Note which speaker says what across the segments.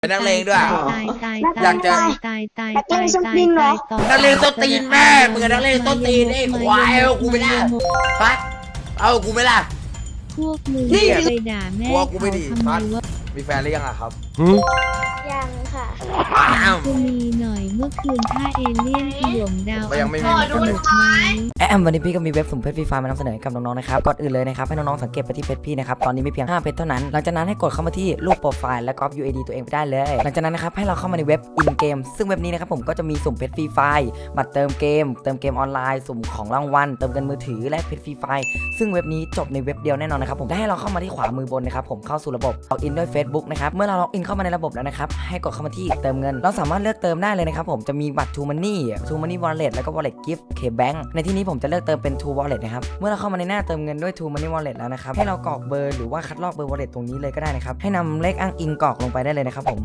Speaker 1: เป็นนักเลงด้วยอยากจะ
Speaker 2: นักเลงส้นตีนเหรอ
Speaker 1: นักเลงต้นตีนแม่มึงนักเลงต้นตีนไอ้ควายเอากูไม่ได้ฟัดเอากูไม่ได้
Speaker 3: พวกมึงไปด่าแม่
Speaker 1: กลัวกูไม่ดี
Speaker 3: ทำไม
Speaker 1: ฟัด
Speaker 3: วะ
Speaker 1: มีแฟนหรือยังอะครับ
Speaker 2: ยังค่ะ
Speaker 1: อ้าว
Speaker 3: จะมีหน่อยเมื่อคืนถ้าเอเลี่ยนถล่มดาว
Speaker 1: ยังไม่มี
Speaker 3: อังคารสนุกไหม
Speaker 4: วันนี้พี่ก็มีเว็บสุ่มเพชรฟรีไฟล์มานำเสนอให้กับน้องๆนะครับก่อนอื่นเลยนะครับให้น้องๆสังเกตไปที่เพจพี่นะครับตอนนี้มีเพียง5เพจเท่านั้นหลังจากนั้นให้กดเข้ามาที่รูปโปรไฟล์และก๊อป UID ตัวเองไปได้เลยหลังจากนั้นนะครับให้เราเข้ามาในเว็บ in game ซึ่งเว็บนี้นะครับผมก็จะมีสุ่มเพชรฟรีไฟล์บัตรเติมเกมออนไลน์สุ่มของรางวัลเติมเงินมือถือและเพชรฟรีไฟล์ซึ่งเว็บนี้จบในเว็บเดียวแน่นอนนะครับผมได้ให้เราเข้ามาที่ขวามือบนนะครับผมเข้าสู่ระบบล็อกอินด้วย Facebook นะครับเมื่อเราล็อกอินเข้ามาในระบบแล้วนะครับให้กดเข้ามาที่เติมเงินเราสามารถเลือกเติมได้เลยนะครับผมจะมีบัตร True Money Wallet แล้วก็ Wallet Gift KBank ในที่นี้ผมจะเลือกเติมเป็น True Wallet นะครับเมื่อเราเข้ามาในหน้าเติมเงินด้วย True Money Wallet แล้วนะครับให้เรากรอกเบอร์หรือว่าคัดลอกเบอร์ Wallet ตรงนี้เลยก็ได้นะครับให้นำเลขอ้างอิงกรอกลงไปได้เลยนะครับผม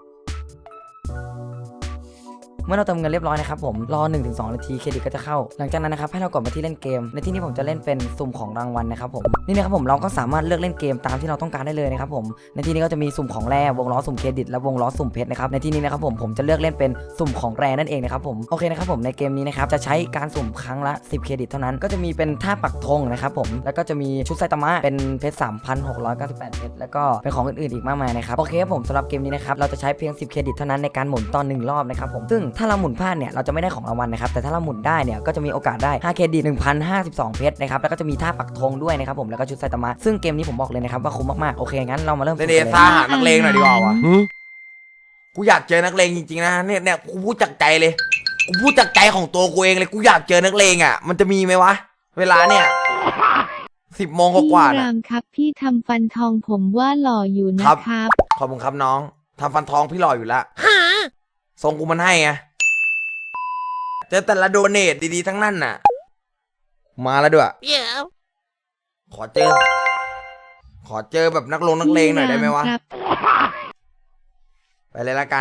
Speaker 4: เมื่อเราเติมเงินเรียบร้อยนะครับผมรอ 1-2 นาทีเครดิตก็จะเข้าหลังจากนั้นนะครับให้เรากดมาที่เล่นเกมในที่นี้ผมจะเล่นเป็นสุ่มของรางวัลนะครับผมนี่นะครับผมเราก็สามารถเลือกเล่นเกมตามที่เราต้องการได้เลยนะครับผมในที่นี้ก็จะมีสุ่มของแร่วงล้อสุ่มเครดิตและวงล้อสุ่มเพชรนะครับในที่นี้นะครับผมจะเลือกเล่นเป็นสุ่มของแร่นั่นเองนะครับผมโอเคนะครับผมในเกมนี้นะครับจะใช้การสุ่มครั้งละ10เครดิตเท่านั้นก็จะมีเป็นท่าปักธงนะครับผมแล้วก็จะมีชุดไซตามะเป็นเพชร 3,698 เพชรแล้วก็เป็นของอื่นๆอีกมากมายนะครับโอเคครับผมสำหรับเกมนี้นะครับเราจะใช้เพียง10เครดิตเท่านั้นในการหมุนตอน1รอบนะครับผมซึ่งถ้าเราหมุนพลาดเนี่ยเราจะไม่ได้ของรางวัลนะครับแต่ถ้าเราหมุนได้เนี่ยก็จะมีโอกาสได้5เครดิต 1,052 เพชรนะครับแล้วก็จะมีท่าปักธงด้วยนะครับผมแล้วก็ชุดไซตามะซึ่งเกมนี้ผมบอกเลยนะครับว่าคุ้มมากๆโอเคงั้นเรามาเริ่ม
Speaker 1: เดซ่าหานักเลงหน่อยดีกว่าวะกูอยากเจอนักเลงจริงๆนะเนี่ยกูพูดจากใจเลยกูพูดจากใจของตัวกูเองเลยกูอยากเจอนักเลงอ่ะมันจะมีไหมวะเวลาเนี่ย10 โมงกว่า
Speaker 3: พี่รามครับพี่ทำฟันทองผมว่าหล่ออยู่นะครับ
Speaker 1: ขอบคุณครับน้องทำฟันทองพี่หล่ออยู่ละทรงกูมันให้ไงเจอแต่ละโดเนทดีๆทั้งนั้นน่ะมาแล้วด้วยขอเจอแบบนักเลงหน่อยได้ไหมวะไปเลยละกัน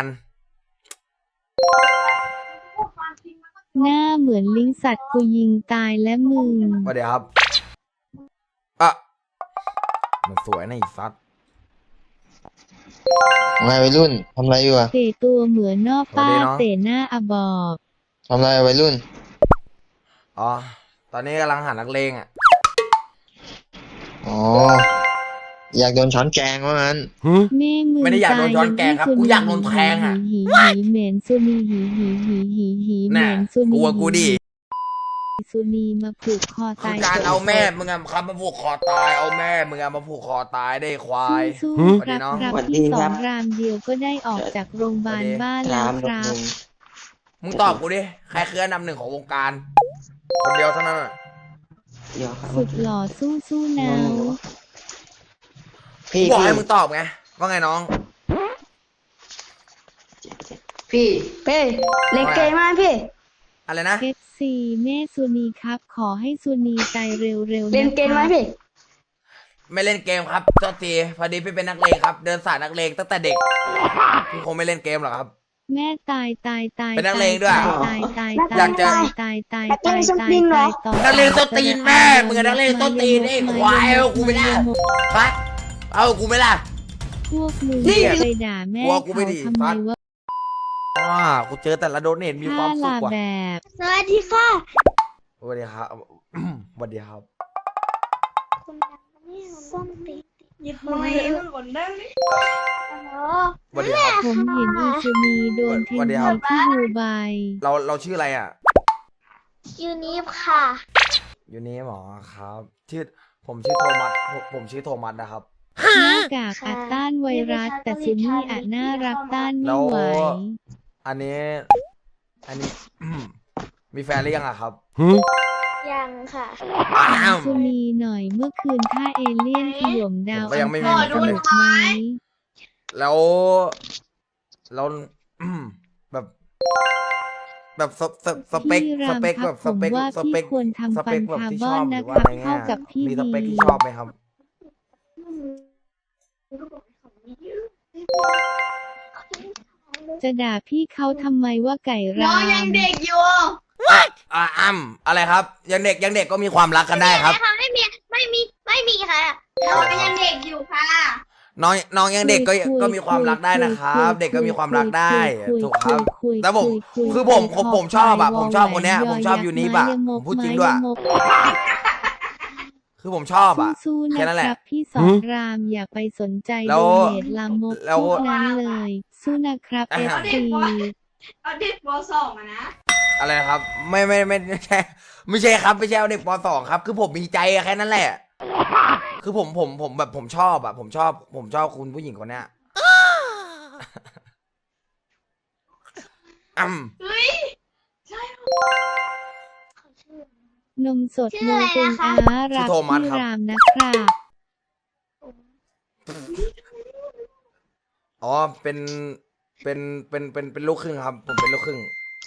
Speaker 3: หน้าเหมือนลิงสัตว์กูยิงตายและมึง
Speaker 1: ว่าเดี๋ยวครับอ่ะมันสวยนะอีสัตว์
Speaker 5: ไงวัยรุ่นทำไรอยู่อะ
Speaker 3: เตะตัวเหมือนนอกป้าเตะหน้าอบอบ
Speaker 5: ทำไรวัยรุ่น
Speaker 1: อ๋อตอนนี้กำลังหานักเลงอ่ะ
Speaker 5: อ๋ออยากโดนช้อนแกงว่างั้น
Speaker 3: แม่มึง
Speaker 1: ไม่ได้อยากโดนช้อนแกงครับกูอยากโดนแทงอ่ะ
Speaker 3: หีเหม็นสุนีหีเห
Speaker 1: น่ะ
Speaker 3: ม็นสุนี
Speaker 1: กลัวกูดิ
Speaker 3: สุนีมาผูกคอ
Speaker 1: คื
Speaker 3: ตา
Speaker 1: อย การเอาแม่มึงอะครับมาผูกคอตายเอาแม่มึงอะมาผูกคอตายได้ควาย
Speaker 3: สู้
Speaker 1: สวัสดี
Speaker 3: ครับ
Speaker 1: น้อง
Speaker 3: ครับ
Speaker 5: สวัสดี
Speaker 3: ที่
Speaker 5: ค
Speaker 3: ส
Speaker 5: รั
Speaker 3: อบ งรามเดียวก็ได้ออกจากโรงพยาบาลบ้านแล้วครับ
Speaker 1: มึงตอบกูดิใครคืออันดับ 1ของวงการคนเดียวเท่านั้นอะ
Speaker 5: เดี๋ยวครับ
Speaker 3: สุดหล่อสู้นาว
Speaker 5: พี่
Speaker 1: กูบอกให้มึงตอบไงว่าไงน้อง
Speaker 5: พี่
Speaker 2: เป้เล่นเกมไหมพี่
Speaker 1: อะไรนะ
Speaker 3: เอฟซีแม่สุนีครับ ขอให้สุนีตายเร็วๆ
Speaker 2: เล่
Speaker 3: นะ
Speaker 2: นเกมไหม
Speaker 3: ครับ
Speaker 2: พี่
Speaker 1: ไม่เล่นเกมครับโทษทีพอดีพี่เป็นนักเลงครับ เดินสายนักเลงตั้งแต่เด็กพี่คงไม่เล่นเกมหรอกครับ
Speaker 3: แม่ตาย
Speaker 1: เป็นนักเลงด้วย
Speaker 3: ตาย
Speaker 1: อยากจะ นักเลงต้นตีนแม่มึงนักเลงต้นตีนไอ้ควายเอากูไม่ได้ฟัดเอากูไม่ได้
Speaker 3: พวกมึงไปด่าแม่
Speaker 1: กลัวกู
Speaker 3: เขา
Speaker 1: ไม่ดี
Speaker 3: ทำไมวะ
Speaker 1: กูเจอแต่ละโดเนทมีความสุข
Speaker 3: ลา
Speaker 1: ว่ะ
Speaker 3: แบบ
Speaker 2: สวัสดีค่ะ
Speaker 1: สวัสดีครับ สวัสดีครับ
Speaker 2: คุณดังนี่ส้มตีหยิบมือมันบนได้ไหม
Speaker 1: สวัสดีครับ
Speaker 3: ผมเห็นอีซูนีโดนเทน
Speaker 1: สวัสดี
Speaker 3: นี
Speaker 1: ครับ
Speaker 3: ที่ดูไบ
Speaker 1: เราชื่ออะไรอ่ะ
Speaker 2: ยูนิฟค่ะ
Speaker 1: อยู่นี่หมอครับผมชื่อโทมัสผมชื่อโทมัสนะครับ
Speaker 3: หน้ากากอัดต้านไวรัส แต่ซูนี่อาจน่ารับต้านไม่ไหว
Speaker 1: อันนี้ มีแฟนหรือยังอะครับ
Speaker 2: ยังค่ะ
Speaker 1: อ้าว
Speaker 3: ซูนีหน่อยเมื่อคืนถ้าเอเลี่ยนถล่มดาว
Speaker 1: ผมก็ยั
Speaker 3: อั
Speaker 1: ง
Speaker 3: ง
Speaker 1: ไม่มี
Speaker 3: คารสนุกไหม
Speaker 1: แล้ว แบบสเปค
Speaker 3: พี่ราม
Speaker 1: แบบ
Speaker 3: ครับ
Speaker 1: สเปค
Speaker 3: ผมว่า
Speaker 1: สเปค
Speaker 3: พี่ควรทำ
Speaker 1: สเปคแบบที่ชอบ
Speaker 3: ฟัน
Speaker 1: ห
Speaker 3: คา
Speaker 1: รือ
Speaker 3: ร์บ
Speaker 1: ว่า
Speaker 3: อน
Speaker 1: อะไรเงี้ย
Speaker 3: นะครับเข้ากับพี่
Speaker 1: มีสเปค
Speaker 3: ดี
Speaker 1: ที่ชอบไหมครับ
Speaker 3: จะด่าพี่เขาทำไมว่าไก่ราม
Speaker 1: อะไรครับ ยังเด็กก็มีความรักกันได้ครับ
Speaker 2: ไม่มีค่ะเราก็ยังเด็กอยู่ค่ะ
Speaker 1: น้องยังเด็กก็มีความรักได้นะครับ เด็กก็มีความรักได้ถูกครับแต่ผมชอบอะผมชอบคนเนี้ยผมชอบยูนิบอะผมพูดจริงด้วยคือผมชอบอะ
Speaker 3: สู้ๆ
Speaker 1: แค่
Speaker 3: นะ
Speaker 1: นั้น
Speaker 3: ค
Speaker 1: แหละ
Speaker 3: รับพี่สอนรามอย่าไปสนใจ
Speaker 1: แล้
Speaker 3: โด
Speaker 1: ว
Speaker 3: เนทลามก
Speaker 1: แล้ว
Speaker 3: พวกนั้นเลย สู้นะครับเอฟซี
Speaker 2: เอาเด็กป .2 อะนะ
Speaker 1: อะไรนะครับไม่ใช่ไม่ใช่ครับไม่ใช่เอาเด็กป .2 ครับ คือผมมีใจอะแค่นั้นแหละ คือผมแบบผมชอบอะผมชอบคุณผู้หญิงคนเนี้ยอืม
Speaker 2: เฮ้ย
Speaker 3: นมสด
Speaker 2: ชื่
Speaker 3: โน
Speaker 2: ออะไร
Speaker 3: ตุน
Speaker 2: นะคะ
Speaker 3: อารักพี่รามนะครับ
Speaker 1: อ๋อเป็นลูกครึ่งครับ ผมเป็นลูกครึ่ง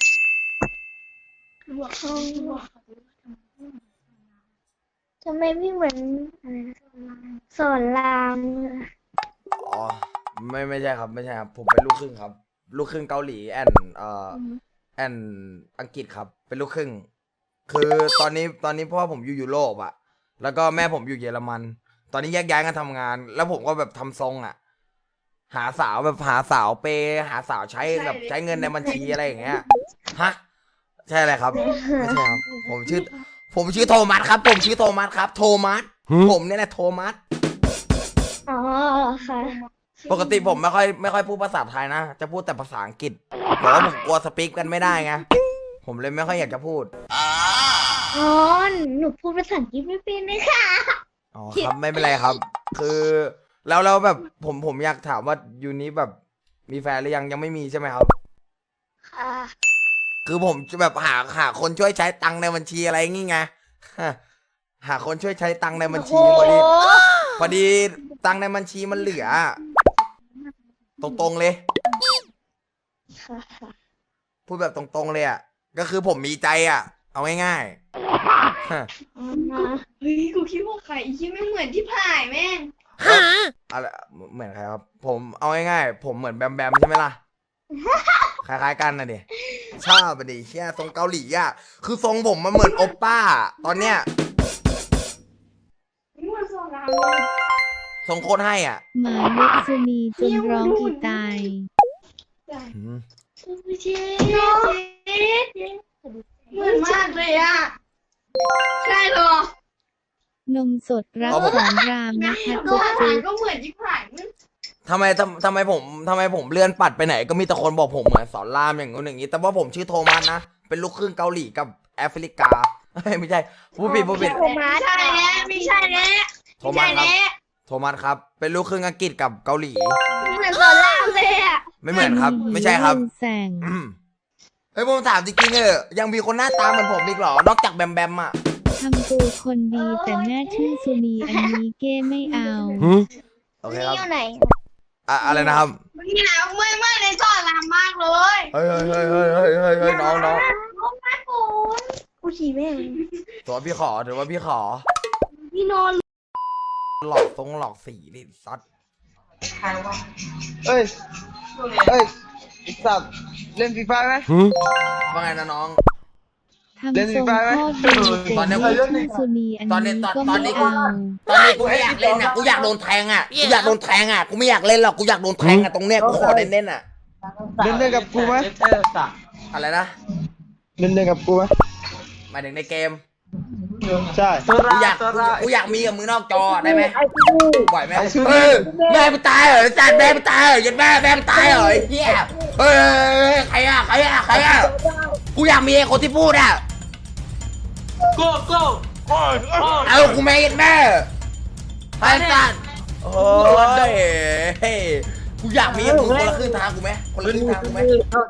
Speaker 2: ทำไมไม่เหมือนอะไรนะสอนรามเลย
Speaker 1: อ๋อไม่ใช่ครับไม่ใช่ครับผมเป็นลูกครึ่งครับ ลูกครึ่งเกาหลีแอนอังกฤษครับ เป็นลูกครึ่ง คือตอนนี้พ่อผมอยู่ยุโรปอะแล้วก็แม่ผมอยู่เยอรมัน ตอนนี้แยกย้ายกันทำงาน แล้วผมก็แบบทำทรงอะหาสาวเปย์หาสาวใช้แบบใช้เงินในบัญชีอะไรอย่างเงี้ยฮะใช่อะไรครับไม่ใช่ครับผมชื่อโทมัสครับ ผมชื่อโทมัสครับโทมัสผมเนี่ยแหละโทมัส
Speaker 2: อ๋อค่ะ
Speaker 1: ปกติผมไม่ค่อยพูดภาษาไทยนะ จะพูดแต่ภาษาอังกฤษแต่ว่าผมกลัวสปีกกันไม่ได้ไง ผมเลยไม่ค่อยอยากจะพูด
Speaker 2: อ๋อ หนูพูดภาษาอังกฤษไม่เป็นเลยค่ะ
Speaker 1: อ๋อครับไม่เป็นไรครับ คือแล้วแบบผมอยากถามว่ายูนี้แบบมีแฟนหรือยังไม่มีใช่ไหมครับ
Speaker 2: ค่ะ
Speaker 1: คือผมจะแบบหาคนช่วยใช้ตังค์ในบัญชีอะไรงี้ไง หาคนช่วยใช้ตังค์ในบัญชีพอดีตังค์ในบัญชีมันเหลือ ตรงๆเลย
Speaker 2: ค่ะ
Speaker 1: พูดแบบตรงๆเลยอ่ะ ก็คือผมมีใจอ่ะ เอาง่ายๆ
Speaker 2: เฮ้ย กูคิดว่าใครอีกที่ไม่เหมือนที่ผ่ายแม่ง
Speaker 1: อะไรเหมือนใครครับ ผมเอาง่ายๆผมเหมือนแบมใช่ไหมล่ะ คล้ายๆกันนะดิชอบไปดิเชี่ยทรงเกาหลีอ่ะ คือทรงผมมันเหมือนโอปป้า ตอนเนี้ย
Speaker 2: นี่มันสอนราม
Speaker 1: ทรงโคตรให้อ่ะ
Speaker 3: หมาเล็กสุนีจนร้องอีตาย
Speaker 1: อืม
Speaker 2: เจ๊เหมือนมากเลยอ่ะ ใช่เหรอน
Speaker 3: มสดรักสอนรามนะคะ
Speaker 2: ก็
Speaker 3: จุ๊บ
Speaker 2: อาหาร
Speaker 3: จุ๊บ
Speaker 2: ก็เหมือนที่ผ่ายมึง
Speaker 1: ทำไมผมเลื่อนปัดไปไหน ก็มีแต่คนบอกผมเหมือนสอนรามอย่างงู้นอย่างนี้ แต่ว่าผมชื่อโทมัสนะ เป็นลูกครึ่งเกาหลีกับแอฟริกา ไม่ใช่พูดผิด
Speaker 2: โทมัสใช่แล้วไม่ใช่แล้ว
Speaker 1: โทมัสครับ โทมัสครับ เป็นลูกครึ่งอังกฤษกับเกาหลี
Speaker 2: เหมือนสอนรามเลยอ่ะ
Speaker 1: ไม่เหมือนครับ ไม่ใช่ครับ
Speaker 3: แสง
Speaker 1: อืมเฮ้ยผมถามจริงๆยังมีคนหน้าตาเหมือนผมอีกเหรอ นอกจากแบมอ่ะ
Speaker 3: ทำตัวคนดีแต่แม่ชื่อสุนีอันนี้เก้ไม่เอา
Speaker 1: โอเค
Speaker 2: นี่
Speaker 1: ครับ
Speaker 2: อยู่ไหน
Speaker 1: อะไรนะครับ
Speaker 2: นี่นะเมื่อยในสอนรามมากเลย
Speaker 1: เฮ้ยน้อง
Speaker 2: โอ้แม่ปูนกูฉี่แม่ง
Speaker 1: ถือว่าพี่ขอ
Speaker 2: พี่นอน
Speaker 1: หลอกสีดิซัด
Speaker 5: เอ้ยไอ้สัตว์เล่นฟรีไฟไหม
Speaker 1: ว่าไงนะน้อง
Speaker 3: ทำทรงโคตรดีแต่แม่ชื่อสุนีอันนี้ก็ไม่เอา
Speaker 1: ตอนนี้กูไม่อยากเล่นอ่ะ กูอยากโดนแทงอ่ะ กูอยากโดนแทงอ่ะ กูไม่อยากเล่นหรอก กูอยากโดนแทงอ่ะ ตรงเนี้ย กูขอเล่นอ่ะ
Speaker 5: เล่นกับกูไหม
Speaker 1: อะไรนะ
Speaker 5: เล่นกับกูไหม
Speaker 1: หมายถึงในเกม
Speaker 5: ใช่
Speaker 1: กูอยากมีกับมือนอกจอได้ไหมไหวไหมแม่ไปตายเหรอจัดแม่ไปตายเหรอยันแม่ไปตายเหรอไอ้เหี้ยเฮ้ยใครอ่ะกูอยากมีไอ้คนที่พูดอ่ะเอากูแม่ยันแม่ไอ้สัตว์โอ้ยกูอยากมีกับมึงคนละครึ่งทางกูไหมคนละครึ่งทางกูไหม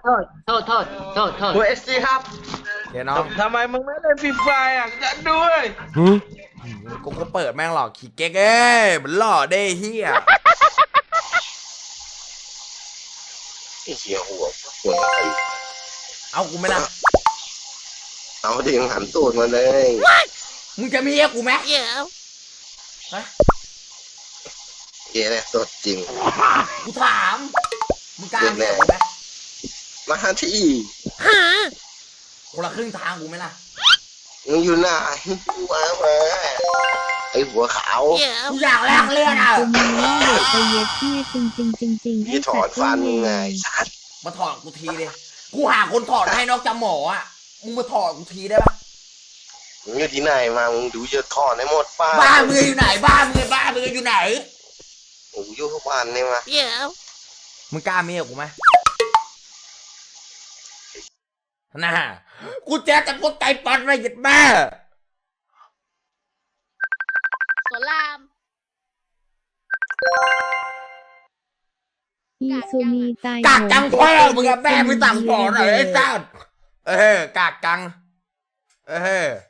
Speaker 5: กูเอสซีครับ
Speaker 1: เดี๋ยวน้อง
Speaker 5: ทำไมมึงไม่เล่นฟรีไฟอ่ะจะด้วย
Speaker 1: กูก็เปิดแม่งหลอกขี้เก๊กเอ้ยมันหล่อได้เฮีย
Speaker 6: ไอ้เหี้ยหัวไอ้
Speaker 1: เอากูไหมล่ะ
Speaker 6: เอาดิงหันตูดมาเลย
Speaker 1: มึงจะมีให้กูไหมฮะ
Speaker 6: เหี้ยเนี่ยสดจริง
Speaker 1: กูถาม มึงกล้ามีให้กูไหม
Speaker 6: มาที่
Speaker 1: คนละครึ่งทางกูไหมล่ะ
Speaker 6: มึงอยู่ไหนมาไอ้หัวขาว
Speaker 1: กูอยากแลกเลือดอ่ะ
Speaker 3: คุณมีว่าเด็กไปเย็ดที่จริงให้
Speaker 6: พี่ถอนฟันไงสัตว์
Speaker 1: มาถอดกูทีเลยกูหาคนถอดให้นอกจากหมออ่ะมึงมาถอดกูทีได้ปะ
Speaker 6: มึงอยู่ที่ไหนมามึงดูเยอะถอนให้หมดป้า
Speaker 1: บ้านมึงอยู่ไหนบ้านมึงอยู่ไหน
Speaker 6: โอ้อยู่ทุกวันเนี่ยมา
Speaker 1: มึงกล้าเมียกูไหมน่ากูแจ๊แต่พวกไก่ปันไว้หยิดแม่
Speaker 2: สวนราม
Speaker 3: อีซูนีตาย
Speaker 1: กากจังพ่อมึงอะแม่ไม่สั่งสอนเหรอไอ้สัสกากจัง